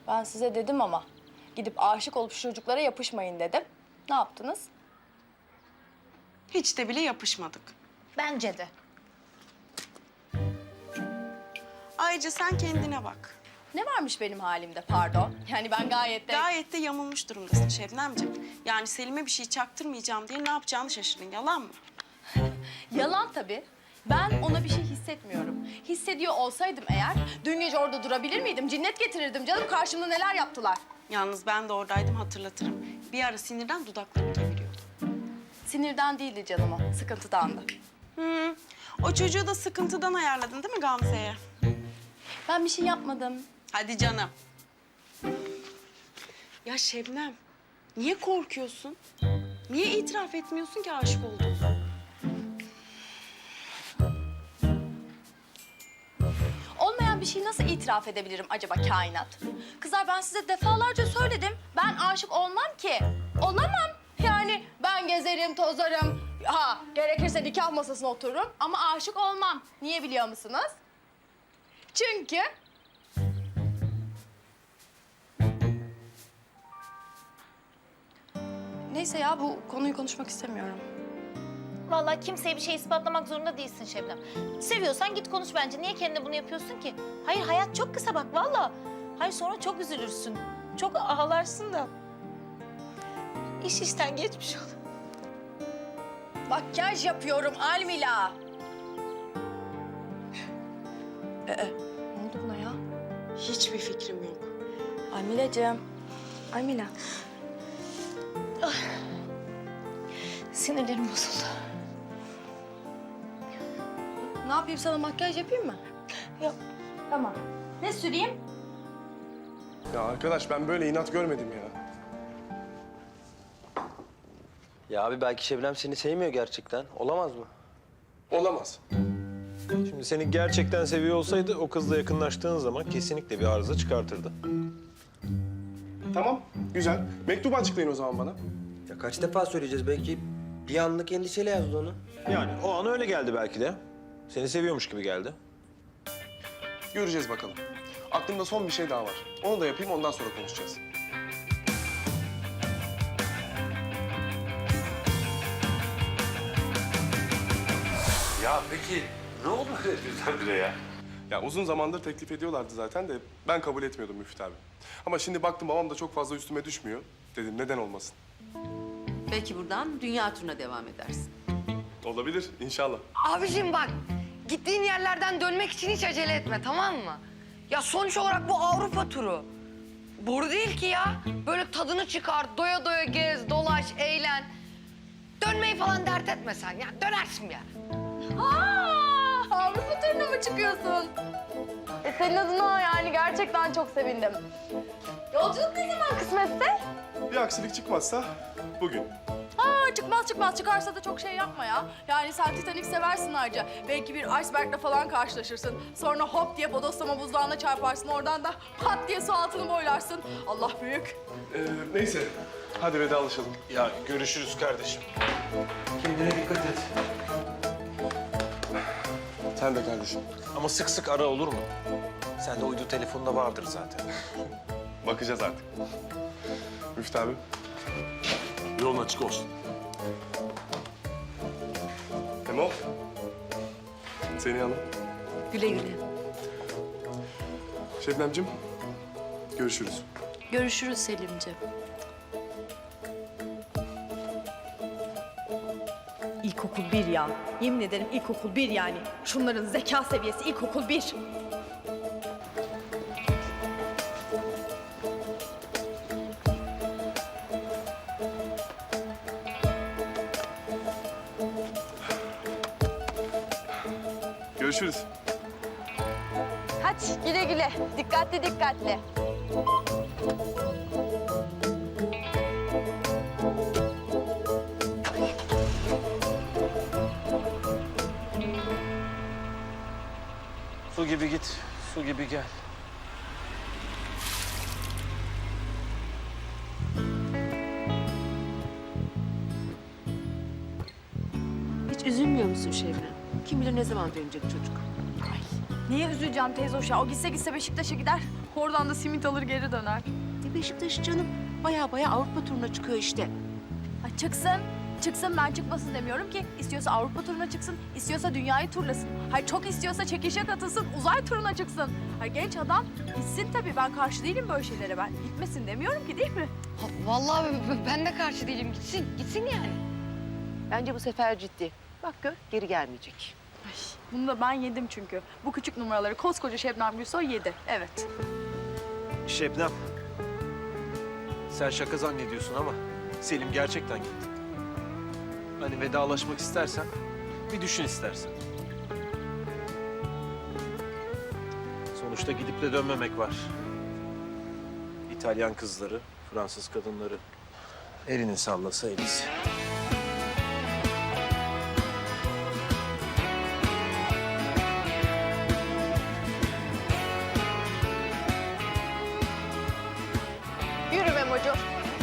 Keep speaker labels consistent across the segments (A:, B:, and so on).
A: Ben size dedim ama gidip aşık olup şu çocuklara yapışmayın dedim. Ne yaptınız?
B: Hiç de bile yapışmadık.
C: Bence de.
B: Ayrıca sen kendine bak.
A: Ne varmış benim halimde pardon? Yani ben gayet de...
B: Gayet de yamulmuş durumdasın Şebnemciğim. Yani Selim'e bir şey çaktırmayacağım diye ne yapacağını şaşırdın. Yalan mı?
A: Yalan tabii. Ben ona bir şey hissetmiyorum. Hissediyor olsaydım eğer dün gece orada durabilir miydim? Cinnet getirirdim canım. Karşımda neler yaptılar.
B: Yalnız ben de oradaydım, hatırlatırım. Bir ara sinirden dudaklarım kemiriyordu.
A: Sinirden değildi canım o. Sıkıntıdandı.
B: O çocuğu da sıkıntıdan ayarladın değil mi Gamze'ye?
A: Ben bir şey yapmadım.
B: Hadi canım. Ya Şebnem, niye korkuyorsun? Niye itiraf etmiyorsun ki aşık olduğunu?
A: Olmayan bir şeyi nasıl itiraf edebilirim acaba kainat? Kızlar ben size defalarca söyledim. Ben aşık olmam ki. Olamam. Yani ben gezerim, tozarım. Ha, gerekirse nikah masasına otururum ama aşık olmam. Niye biliyor musunuz? Çünkü... Neyse ya bu konuyu konuşmak istemiyorum.
C: Vallahi kimseye bir şey ispatlamak zorunda değilsin Şebnem. Seviyorsan git konuş bence. Niye kendine bunu yapıyorsun ki? Hayır hayat çok kısa bak vallahi. Hayır sonra çok üzülürsün. Çok ağlarsın da. İş işten geçmiş olur.
A: Makyaj yapıyorum Almila. Ne oldu buna ya?
B: Hiçbir fikrim yok.
A: Almila'cığım. Almila.
C: Sinirlerim bozuldu.
A: Ne yapayım sana makyaj yapayım mı?
C: Yok.
A: Tamam. Ne süreyim?
D: Ya arkadaş ben böyle inat görmedim ya.
E: Ya abi belki Şebnem seni sevmiyor gerçekten. Olamaz mı?
D: Olamaz.
F: Şimdi seni gerçekten seviyor olsaydı o kızla yakınlaştığın zaman kesinlikle bir arıza çıkartırdı.
D: Tamam, güzel. Mektubu açıklayın o zaman bana.
E: Ya kaç defa söyleyeceğiz? Belki bir anlık endişeyle yazdı onu.
F: Yani o an öyle geldi belki de. Seni seviyormuş gibi geldi.
D: Göreceğiz bakalım. Aklımda son bir şey daha var. Onu da yapayım, ondan sonra konuşacağız.
G: Ya peki ne oldu böyle birdenbire ya?
D: Ya uzun zamandır teklif ediyorlardı zaten de ben kabul etmiyordum Müftü abi. Ama şimdi baktım babam da çok fazla üstüme düşmüyor. Dedim neden olmasın?
H: Belki buradan dünya turuna devam edersin.
D: Olabilir inşallah.
I: Abicim bak, gittiğin yerlerden dönmek için hiç acele etme, tamam mı? Ya sonuç olarak bu Avrupa turu. Boru değil ki ya. Böyle tadını çıkar, doya doya gez, dolaş, eğlen. Dönmeyi falan dert etme sen ya. Dönersin bir ara.
A: Avrupa turuna mı çıkıyorsun? Senin adına yani gerçekten çok sevindim. Yolculuk ne zaman kısmetse?
D: Bir aksilik çıkmazsa bugün.
A: Çıkmaz. Çıkarsa da çok şey yapma ya. Yani sen Titanic seversin ayrıca. Belki bir iceberg'le falan karşılaşırsın. Sonra hop diye bodoslama buzdağına çarparsın. Oradan da pat diye su altını boylarsın. Allah büyük.
D: Neyse, hadi vedalaşalım.
F: Ya görüşürüz kardeşim.
E: Kendine dikkat et.
D: Sen de kardeşim.
F: Ama sık sık ara olur mu? Sende uydu telefonda vardır zaten.
D: Bakacağız artık. Müftü abi.
G: Yolun açık olsun.
D: Memo. Seni Hanım.
H: Güle güle.
D: Şebnemciğim. Görüşürüz.
A: Görüşürüz Selimciğim. İlkokul 1 ya. Yemin ederim ilkokul 1 yani. Şunların zeka seviyesi ilkokul 1.
D: Görüşürüz.
A: Hadi güle güle. Dikkatli.
F: Su gibi git, su gibi gel.
H: Hiç üzülmüyor musun Şebnem? Kim bilir ne zaman dönecek çocuk?
A: Niye üzüleceğim teyze hoş ya? O gitse Beşiktaş'a gider. Oradan da simit alır geri döner.
H: Beşiktaş canım baya Avrupa turuna çıkıyor işte.
A: Ay çıksın. Çıksın, ben çıkmasın demiyorum ki. İstiyorsa Avrupa turuna çıksın, istiyorsa dünyayı turlasın. Hayır çok istiyorsa çekişe katılsın, uzay turuna çıksın. Hayır genç adam gitsin tabii. Ben karşı değilim böyle şeylere. Ben gitmesin demiyorum ki, değil mi?
I: Vallahi ben de karşı değilim. Gitsin yani.
H: Bence bu sefer ciddi. Bak gör geri gelmeyecek.
A: Bunu da ben yedim çünkü. Bu küçük numaraları koskoca Şebnem Gülsoy yedi. Evet.
F: Şebnem. Sen şaka zannediyorsun ama Selim gerçekten gitti. Hani vedalaşmak istersen bir düşün istersen. Sonuçta gidip de dönmemek var. İtalyan kızları, Fransız kadınları. Elini sallasa elisi.
A: Yürü Memo'cum.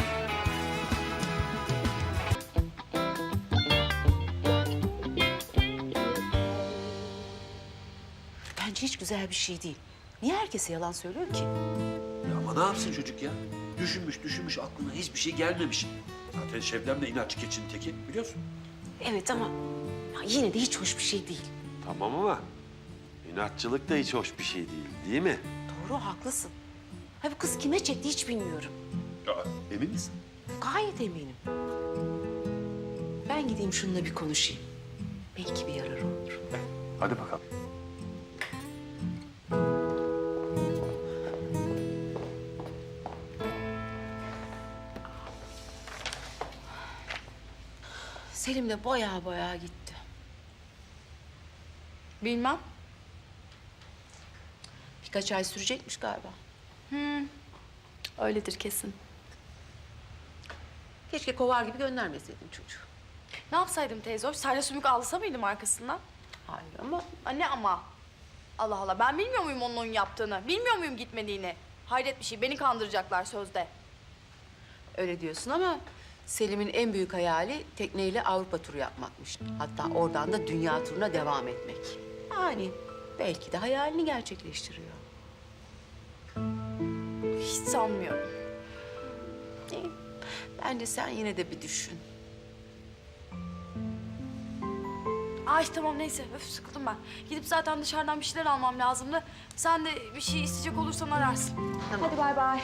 H: Bence hiç güzel bir şey değil. Niye herkese yalan söylüyor ki?
G: Ya ama ne yapsın çocuk ya? Düşünmüş aklına hiçbir şey gelmemiş. Zaten Şebnem de inatçı keçinin teki biliyorsun.
H: Evet ama ya yine de hiç hoş bir şey değil.
G: Tamam ama inatçılık da hiç hoş bir şey değil mi?
H: Doğru haklısın. Ha bu kız kime çekti hiç bilmiyorum.
G: Ya, emin misin?
H: Gayet eminim. Ben gideyim şununla bir konuşayım. Belki bir yararı olur.
G: Hadi bakalım.
H: Selim de baya gitti.
A: Bilmem.
H: Birkaç ay sürecekmiş galiba.
A: Öyledir kesin.
H: Keşke kovar gibi göndermeseydin çocuğu.
A: Ne yapsaydım teyze hoş? Sadece sümük alsa mıydım arkasından?
H: Hayır ama
A: Anne ama. Allah Allah, ben bilmiyor muyum onun yaptığını? Bilmiyor muyum gitmediğini? Hayret bir şey, beni kandıracaklar sözde.
H: öyle diyorsun ama Selim'in en büyük hayali tekneyle Avrupa turu yapmakmış. Hatta oradan da dünya turuna devam etmek. Yani belki de hayalini gerçekleştiriyor.
A: Hiç sanmıyorum.
H: İyi. Bence sen yine de bir düşün.
A: Ay tamam neyse, öf sıkıldım ben. Gidip zaten dışarıdan bir şeyler almam lazımdı. Sen de bir şey isteyecek olursan ararsın.
H: Tamam.
A: Hadi bay bay.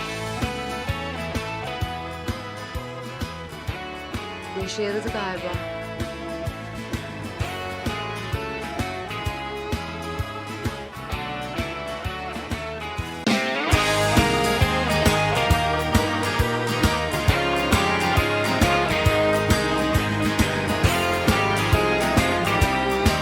H: Bu işe yaradı galiba.